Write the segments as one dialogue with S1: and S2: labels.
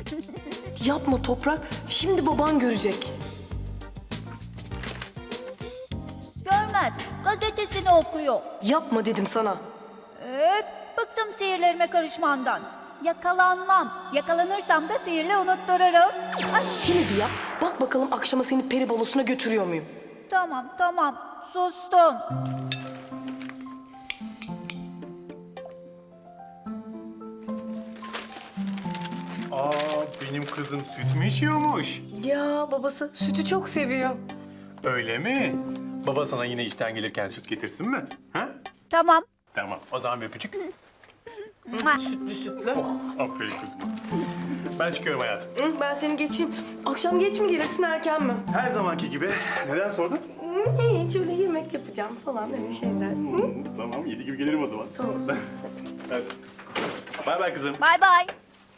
S1: Yapma Toprak. Şimdi baban görecek.
S2: Görmez. Gazetesini okuyor.
S1: Yapma dedim sana.
S2: Öf, bıktım sihirlerime karışmandan. Yakalanmam. Yakalanırsam da sihirle unuttururum. Ay,
S1: Yine bir yap. Bak bakalım akşama seni peri balosuna götürüyor muyum?
S2: tamam. Sustum.
S3: Aa, benim kızım süt mü içiyormuş?
S1: Ya babası sütü çok seviyor.
S3: Öyle mi? Baba sana yine işten gelirken süt getirsin mi? Ha?
S2: Tamam.
S3: Tamam, o zaman bir öpücük.
S1: Sütlü sütlü.
S3: Aferin kızım. Ben çıkıyorum hayatım.
S1: Ben seni geçeyim. Akşam geç mi gelirsin erken mi?
S3: Her zamanki gibi. Neden sordun?
S1: İyi şöyle yemek yapacağım falan öyle şeyler.
S3: Tamam, 7 gibi gelirim o zaman.
S1: Tamam.
S3: Hadi. Bay bay kızım.
S2: Bay bay.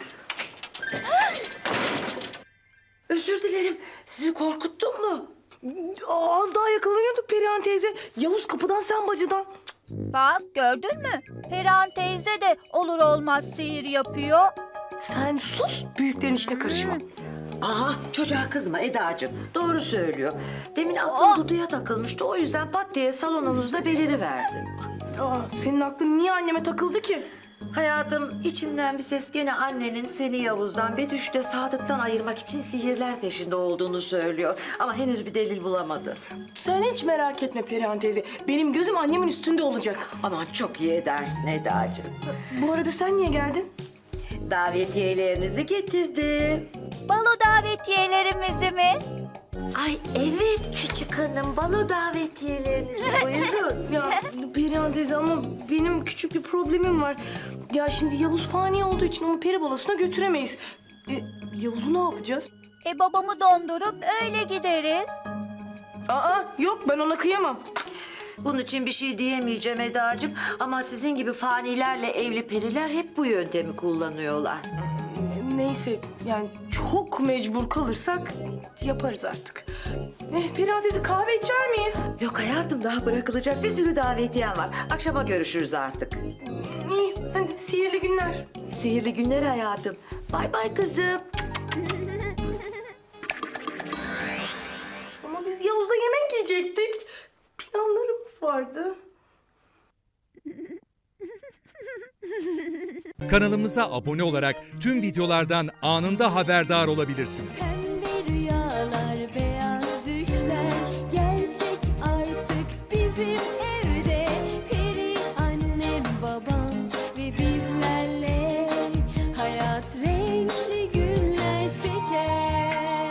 S4: Özür dilerim. Sizi korkuttum mu?
S1: Az daha yakalanıyorduk Perihan teyze. Yavuz kapıdan sen bacıdan.
S2: Bak gördün mü? Perihan teyze de olur olmaz sihir yapıyor.
S1: Sen sus, büyüklerin işine karışma.
S4: Aha, çocuğa kızma Edacığım. Doğru söylüyor. Demin aklım Dudu'ya takılmıştı. O yüzden pat diye salonumuzda beliriverdi.
S1: Senin aklın niye anneme takıldı ki?
S4: Hayatım, içimden bir ses gene annenin seni Yavuz'dan, Betüş'ü de Sadık'tan ayırmak için sihirler peşinde olduğunu söylüyor. Ama henüz bir delil bulamadı.
S1: Sen hiç merak etme Perihan teyze. Benim gözüm annemin üstünde olacak.
S4: Aman çok iyi edersin Edacığım.
S1: Bu arada sen niye geldin?
S4: Davetiyelerinizi getirdim.
S2: Balo davetiyelerimizi mi?
S4: Ay evet küçük hanım, balo davetiyelerinizi buyurun.
S1: Ya Perihan teyze ama benim küçük bir problemim var. Ya şimdi Yavuz fani olduğu için onu peri balasına götüremeyiz. Yavuz'u ne yapacağız?
S2: Babamı dondurup öyle gideriz.
S1: Yok ben ona kıyamam.
S4: Bunun için bir şey diyemeyeceğim Edacığım. Ama sizin gibi fanilerle evli periler hep bu yöntemi kullanıyorlar.
S1: Neyse yani çok mecbur kalırsak yaparız artık. Perihan teyze kahve içer miyiz?
S4: Yok hayatım, daha bırakılacak bir sürü davetiyem var. Akşama görüşürüz artık.
S1: İyi hadi sihirli günler.
S4: Sihirli günler hayatım. Bay bay kızım.
S1: Ama biz Yavuz'la yemek yiyecektik. Planlarımız vardı.
S5: Kanalımıza abone olarak tüm videolardan anında haberdar olabilirsiniz.